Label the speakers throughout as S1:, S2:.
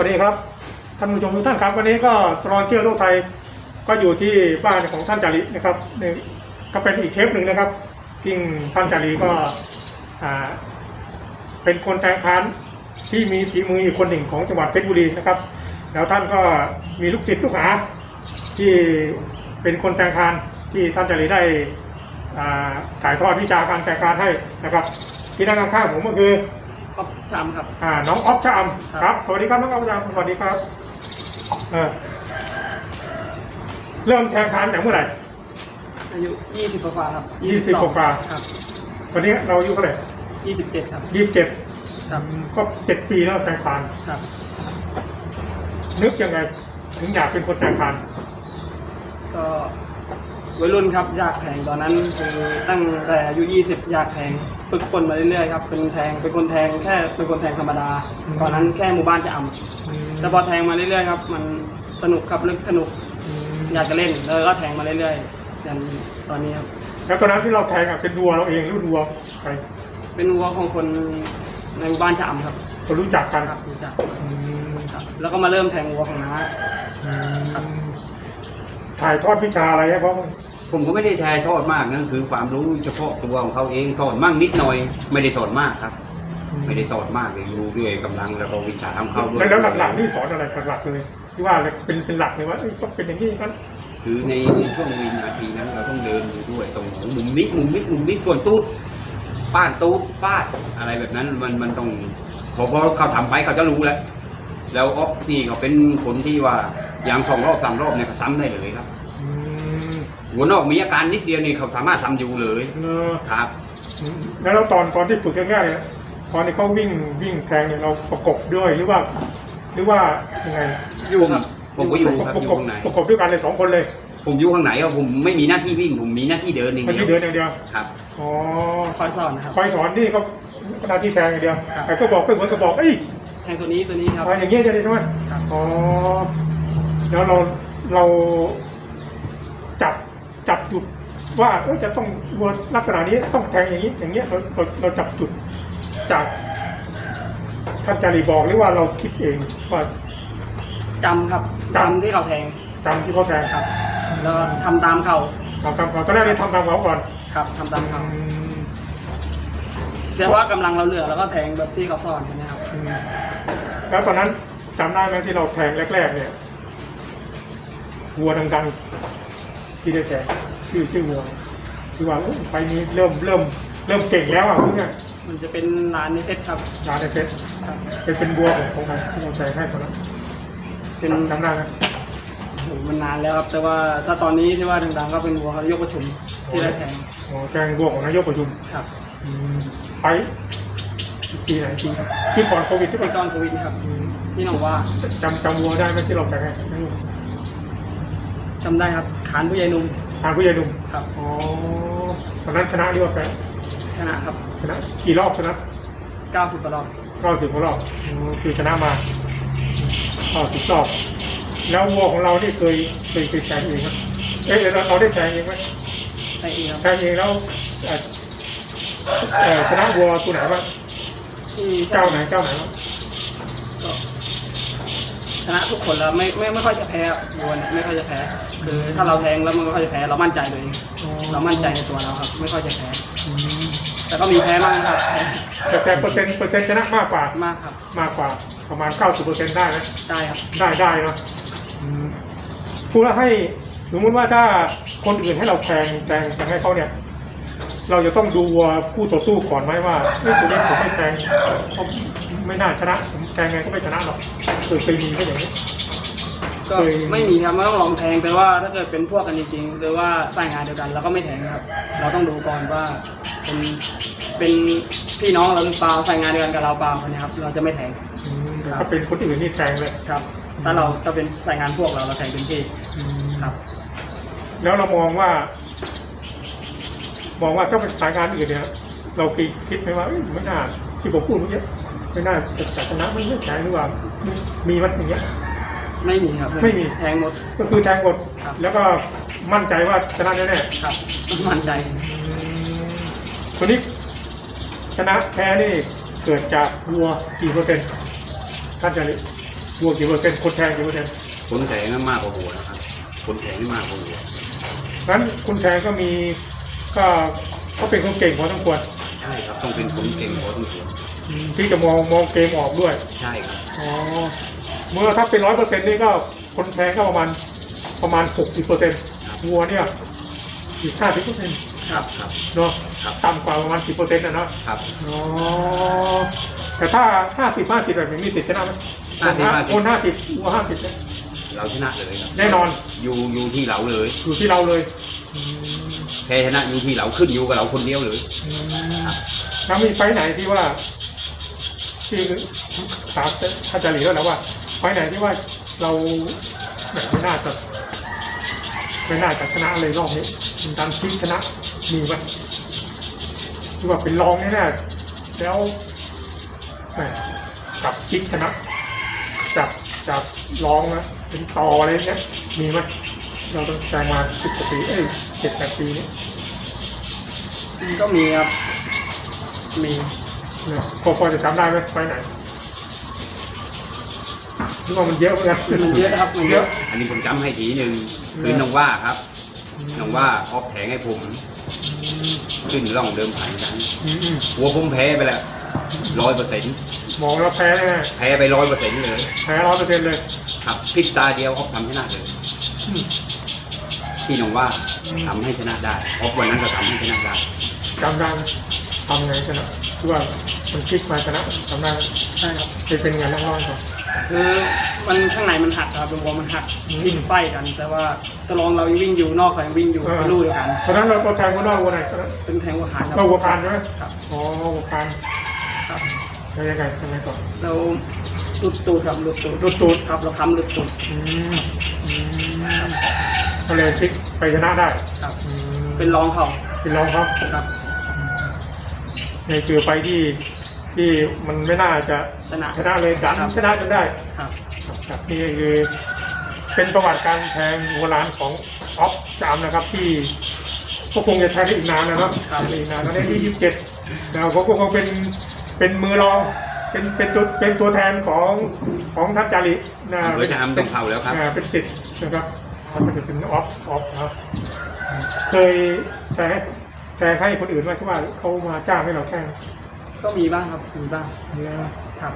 S1: ดีครับท่านผู้ชมทุกท่านครับวันนี้ก็ตลอดเที่ยวโลกไทยก็อยู่ที่บ้านของท่านจารีนะครับนี่ก็เป็นอีกเทปหนึ่งนะครับที่ท่านจารีก็เป็นคนแทงพานที่มีฝีมืออีกคนหนึ่งของจังหวัดเพชรบุรีนะครับแล้วท่านก็มีลูกศิษย์ลูกหาที่เป็นคนแทงพานที่ท่านจารีได้ถ่ายทอดวิชาการแทงพานให้นะครับที่นั่งข้างๆผมก็คือ
S2: อ๊อฟชามครับ
S1: น้องอ๊อฟชามครับสวัสดีครับน้องอ๊อฟชามสวัสดีครับเริ่มแทงพานจากเมื่อไหร่
S2: อายุ20กว่าครับ
S1: 20กว่า
S2: ครับ
S1: ตอนนี้เราอายุเท่าไหร่
S2: 27ครับ
S1: 27ครับก็7 ปีแล้วแทงพาน
S2: ครับ
S1: นึกยังไงถึงอยากเป็นคนแทงพาน
S2: ก็วัยรุ่นครับอยากแทงตอนนั้นคือตั้งแต่อายุ20อยากแทงฝึกฝนมาเรื่อยๆครับเป็นคนแทงแค่เป็นคนแทงธรรมดาตอนนั้นแค่หมู่บ้านจะแต่พอแทงมาเรื่อยๆครับมันสนุกครับลึกสนุกอยากจะเล่นแล้วก็แทงมาเรื่อยๆจนตอนนี้ครับ
S1: แล้วตอนนั้นที่เราแทงเป็นวัวเราเองหรือวัวใคร
S2: เป็นวัวของคนในหมู่บ้านจะครับ
S1: คนรู้จักกัน
S2: ครับรู้จักครับแล้วก็มาเริ่มแทงวัวของน้า
S1: ถ่ายทอดวิชาอะไรให้พ่อ
S3: ผมก็ไม่ได้ถ่ายทอดมากนั่นคือความรู้เฉพาะตัวของเขาเองสอนมั่งนิดหน่อยไม่ได้สอนมากครับไม่ได้สอนมากเลยรู้ด้วยกำลังแล้วก็วิชาทำเข้าด้วย
S1: แล้วหลักๆนี่สอนอะไรหลักเลยที่ว่าเป็นหลักเลยว่าต้องเป็นอย่างนี้กัน
S3: คือในช่วงวินาทีนั้นเราต้องเดินอยู่ด้วยตรงมุมนี้ส่วนตูดป้านตูดป้าอะไรแบบนั้นมันต้องพอเขาทำไปเขาจะรู้แล้วอ๊อฟนี่เขาเป็นคนที่ว่าอย่าง2 รอบ 3 รอบเนี่ยเขาซ้ำได้เลยครับหัวนอกมีอาการนิดเดียวนี่เขาสามารถซ้ำอยู่เลยครับ
S1: แล้วตอนที่ฝึกง่ายๆตอนที่เขาวิ่งแทงเนี่ยเราประกบด้วยหรือว่ายังไง
S3: อยู่ครับผมก็อยู่ครับอยู่ข้างใน
S1: ประกบด้วยกันเลย2 คนเลย
S3: ผมอยู่ข้างไหนครับผมไม่มีหน้าที่วิ่งผมมีหน้าที่เดินอย่างเดียว
S1: เดินอย่างเดียว
S3: ครับ
S1: อ๋อ
S2: คอยสอนนะครับ
S1: คอยสอนนี่ก็หน้าที่แทงอย่างเดียวแต่ก็บอกไปเหมือนกับบอก
S2: แทงตัวนี้ครับ
S1: อย่างเงี้ยจะได้ใช่ไหมอ๋อแล้วเราจับจุดว่าจะต้องวัวลักษณะนี้ต้องแทงอย่างนี้อย่างเงี้ยเราจับจุดจากท่านจารีบอกหรือว่าเราคิดเองว่า
S2: จำครับจำที่เขาแทง
S1: ครับ
S2: แล้วทำตามเขา
S1: ตอนแรกเลยทำตามเขาก่อน
S2: ครับทำตามเขาแต่ว่ากำลังเราเหลือแล้วก็แทงแบบที่เขาสอนนะครับ
S1: แล้วตอนนั้นจำได้ไหมที่เราแทงแรกๆเนี่ยวัวดังๆที่ได้แทงชื่อวัวคือว่าไฟนี้เริ่มเก่งแล้วพวกเนี้ย
S2: มันจะเป็นร้านในเพชรครับ
S1: ร้านในเพชรเป็นวัวของใครที่เราแทงให้ตอนนั้นเป็นจำได้ไหม
S2: มันนานแล้วครับแต่ว่าถ้าตอนนี้ที่ว่าดังๆก็เป็นวัวเขายกประชุมที่ได้แทง
S1: แทงวัวของนายกประชุม
S2: ครับ
S1: ไปปีไหนปีก่อนโควิดที่
S2: ก่อนโควิดครับที่หนองว่า
S1: จำวัวได้ไหมที่เราแทงให้
S2: จำได้ครับขานผู้ใหญ่หนุ่ม
S1: ครับอ๋อตอนนั้นชนะหรือว่าแพ้
S2: ชนะครับ
S1: ชนะกี่รอบชนะ
S2: 90 กว่ารอบ
S1: คือชนะมา90 รอบแล้ววัวของเราที่เคยแทงเองครับเราได้แทงเองไหม
S2: แทงเอง
S1: แล้วชนะวัวตัวไหนบ้างเจ้าไหนบ้าง
S2: ชนะทุกคนแล้วไม่ค่อยจะแพ้วัวไม่ค่อยจะแพ้คือถ้าเราแทงแล้วมันไม่ค่อยจะแพ้เรามั่นใจเลยเรามั่นใจในตัวเราครับไม่ค่อยจะแพ้แต่ก็มีแพ้บ้างครับ
S1: แต่เปอร์เซ็นต์ชนะมากกว่ามากกว่าประมาณ 90% ได้ไหม
S2: ได้ครับ
S1: ได้เนาะพูดแล้วให้สมมติว่าถ้าคนอื่นให้เราแทงให้เขาเนี่ยเราจะต้องดูวัวคู่ต่อสู้ก่อนไหมว่าตัวนี้ผมไม่แทงเขาไม่น่าชนะผมแทงไงก็ไม่ชนะหรอกเคยมีแค่อย่างนี้
S2: ก็ไม่มีครับไม่ต้องลองแทงแต่ว่าถ้าเกิดเป็นพวกกันจริงๆหรือว่าสายงานเดียวกันเราก็ไม่แทงครับเราต้องดูก่อนว่าเป็นพี่น้องเราหรือเปล่าสายงานเดียวกันกับเราเปล่านะครับเราจะไม่แทง
S1: ถ้าเป็นคนอื่นนี่แทงเลย
S2: ครับถ้าเราจะเป็นสายงานพวกเราแทงเป็นที่ครับ
S1: แล้วเรามองว่าถ้าเป็นสายงานอื่นเนี่ยเราคิดไหมว่าไม่น่าที่ผมพูดเมื่อกี้ไม่น่าจะชนะไม่แทงหรือว่ามีวัดอย่างเงี้ย
S2: ไม่มีครับ
S1: ไม่มี
S2: แทงหมด
S1: ก็คือแทงหมดแล้วก็มั่นใจว่าชนะแน่
S2: ๆครับมั่นใจ
S1: ตัวนี้ชนะแพ้นี่เกิดจากวัวกี่เปอร์เซ็นต์ท่านจารีวัวกี่เปอร์เซ็นต์คนแทงกี่เปอร์เซ็นต์
S3: คนแทงนั้นมากกว่าหัวนะครับคนแทงนี่มากกว่าหัว
S1: งั้นคุณแทงก็มีก็เขาเป็นคนเก่งพอสมควร
S3: ใช่ครับต้องเป็นคนเก่งพอสมควร
S1: ที่จะมองเกมออกด้วย
S3: ใช่ครับ
S1: อ๋อเมื่อถ้าเป็น100%นี่ก็คนแทงก็ประมาณ60%วัวเนี่ยอีก50%
S3: ครับครับ
S1: เนาะ
S3: ครับ
S1: ต่ำกว่าประมาณ10%นะเนาะ
S3: ครับ
S1: อ๋อแต่ถ้า50-50แบบนี้มีสิทธิ์ชนะไหม
S3: 50-50
S1: คน50วัว50เนี่ย
S3: เราชนะเลยครับ
S1: แน่นอน
S3: อยู่ที่เราเลย
S1: อยู่ที่เราเลยอืม
S3: แพ้ชนะอยู่ที่เราขึ้นอยู่กับเราคนเดียวเลย
S1: อืมแล้วมีไฟท์ไหนที่ว่าที่ถามอาจารย์หลีแล้วนะว่าไฟท์ไหนที่ว่าเราไม่น่าจะชนะเลยรอบนี้เป็นการพลิกชนะมีไหมที่ว่าเป็นรองแน่ๆแล้วแหมกับพลิกชนะจับรองนะเป็นต่ออะไรเงี้ยมีไหมเราต้องใจมา10 กว่าปี7-8 ปีนี้
S2: ก็มีครับมี
S1: เนี่ยพอจะจำได้ไหมไฟไหนที่ว่ามันเยอะเหมือนกัน
S2: มันเยอะครับมันเยอะ
S3: อันนี้ผมจำให้ทีหนึ่งคือน้องว่าครับน้องว่าออกแทงให้ผมขึ้นร่องเดิมผ่านกัน
S1: อืม
S3: หัวผมแพ้ไปแล้ว100%
S1: มองแล้วแพ้แน่
S3: แพ้ไป100%เลย
S1: แพ้100%เลย
S3: ครับพลิกตาเดียวออกทำชนะเลย
S1: อืม
S3: ที่น้องว่าทำให้ชนะได้ออกวันนั้นก็ทำให้ชนะได้
S1: จำได้ไหมทำไงชนะคือว่ามันพลิกมาชนะจำได้ไหม
S2: ใช่ครับ
S1: เป็นไงเล่าให้ฟัง
S2: คือมันข้างในมันหักครับเป็นวงมันหักวิ่งไฟกัน แต่ว่าตะลองเรายังวิ่งอยู่นอกเขายังวิ่งอยู่เป็นลู่เดียวกัน
S1: เพราะฉะนั้นเราแทงคนนอกวัวไหน
S2: เป็นแทงหัวขาครับ
S1: เราวัวคานใช่ไหม
S2: ครับ
S1: อ๋อวัวคาน
S2: ครับ
S1: แล้วยังไงต่อ
S2: เราหลุดตูดครับหลุดตูด
S1: รูดตูด
S2: ครับเราค้ำหลุดตูด
S1: อืมก็เลยพลิกไปชนะได้
S2: ครับ
S1: อืม
S2: เป็นรองเขา
S1: เป็นรองครับ
S2: ครับ
S1: ในเจอไฟที่มันไม่น่าจะ
S2: ชนะ
S1: ชนะเลยดัน
S2: ครับ
S1: ชนะจนได้
S2: ครับ
S1: ครับนี่คือเป็นประวัติการแทงโบราณของออฟจามนะครับ ที่ก็คงจะแทงได้อีกนานนะครับอีกนานตอนนี้ที่27แล้วเขาก็คงเป็นมือรองเป็นตัวแทนของทัพจารินะ
S3: อำเภอชะอำต้องเข้าแล้วครับ
S1: เป็นสิทธิ์นะครับมันจะเป็นออฟนะครับเคยแทงให้คนอื่นไหมที่ว่าเขามาจ้างให้เราแทง
S2: ก็มีบ้างครับมีบ้าง
S1: เนี่ย
S2: ครับ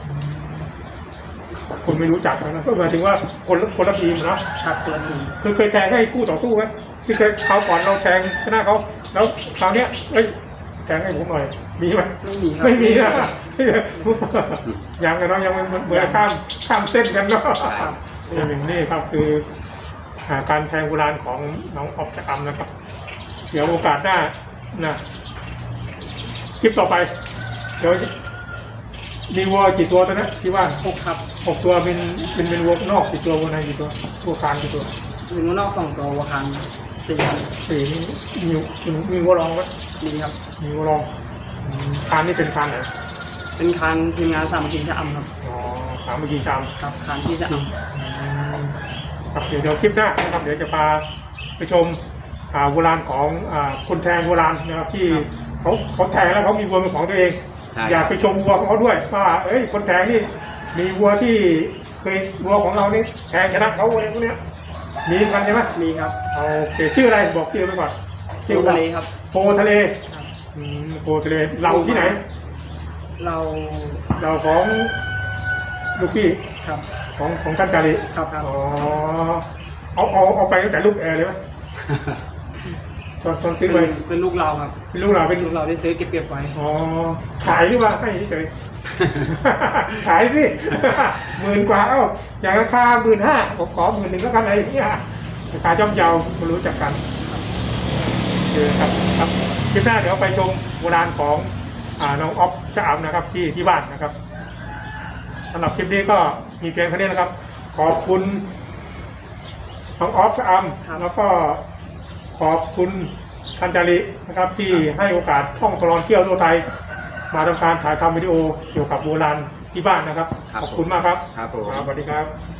S1: คนไม่รู้จักนะก็หมายถึงว่าคนละทีมเนาะ
S2: ครับตัวหนึ่ง
S1: เคยแทงให้คู่ต่อสู้ไหมที่เคยคราวก่อนเราแทงชนะเขาแล้วคราวเนี้ยเอ้ยแทงให้ผมหน่อยมีไหม
S2: ไม่มีครับ
S1: ไม่มีนะยังกันเนาะยังเหมือนข้ามเส้นกันเนาะ
S2: ครับ
S1: อย่างนี้ครับคือการแทงโบราณของน้องออฟจักรนะครับ เดี๋ยวโอกาสหน้านะคลิปต่อไปเดี๋ยวมีวัวกี่ตัวตอนนี้ที่ว่า
S2: 6ครับ
S1: 6 ตัวเป็นวัวนอกกี่ตัววัวในกี่ตัววัวคานกี่ตัว
S2: มีนอก2ตัววัวคัน4ครับ
S1: สี่นี่มีวัวรองไหม
S2: มีครับ
S1: มีวัวรองคานนี่เป็นคานไหน
S2: เป็นคันทีมงานสามัคคีชะอำครับ
S1: อ๋อสามเมื่อกี้ชาม
S2: ครับคันที่ชะอ
S1: ครับเดี๋ยวคลิปหน้านะครับเดี๋ยวจะพาไปชมโบราณของคนแทงโบราณนะครับที่เขาแทงแล้วเขามีวัวเป็นของตัวเอง
S3: ใช่
S1: อยากไปชมวัวของเขาด้วยว่าเอ้ยคนแทงนี่มีวัวที่เคยวัวของเรานี่แทงชนะเขาอะไรพวกเนี้ยมีกันใช่ไหม
S2: ำมีครับ
S1: โอเคชื่ออะไรบอกชื่อไปก่อน
S2: ทิวทะเลครับ
S1: โพทะเล
S2: ครับ
S1: โพทะเลเราที่ไหน
S2: เรา
S1: เราของลูกพี่
S2: ครับ
S1: ของท่านจารี
S2: ครับครับ
S1: อ๋อเอาไปตั้งแต่ลูกแอร์เลยไหมตอนซื้อไป
S2: เป็นลูกเราครับ
S1: เป็นลูกเราเป็น
S2: ลูกเราได้ซื้อเก็บไว้
S1: อ๋อขายหรือว่าให้เฉย ขายสิ 10,000 กว่าอย่างราคา15,000ผมขอ11,000แล้วกันอะไรอย่างเงี้ยราคาย่อมเยาไม่รู้จักกันครับคลิปหน้าเดี๋ยวไปชมโบราณของน้องออฟชะอำนะครับที่บ้านนะครับสำหรับคลิปนี้ก็มีเพียงเท่านี้นะครับ ขอบคุณน้องออฟชะอำแล้วก็ขอบคุณท่านจารินะครับที่ให้โอกาสท่องตลอดเที่ยวทั่วไทยมาทำการถ่ายทำวิดีโอเกี่ยวกับโบราณที่บ้านนะครับ ขอบคุณมากครับ
S3: ครับผม
S1: สวัสดีครับ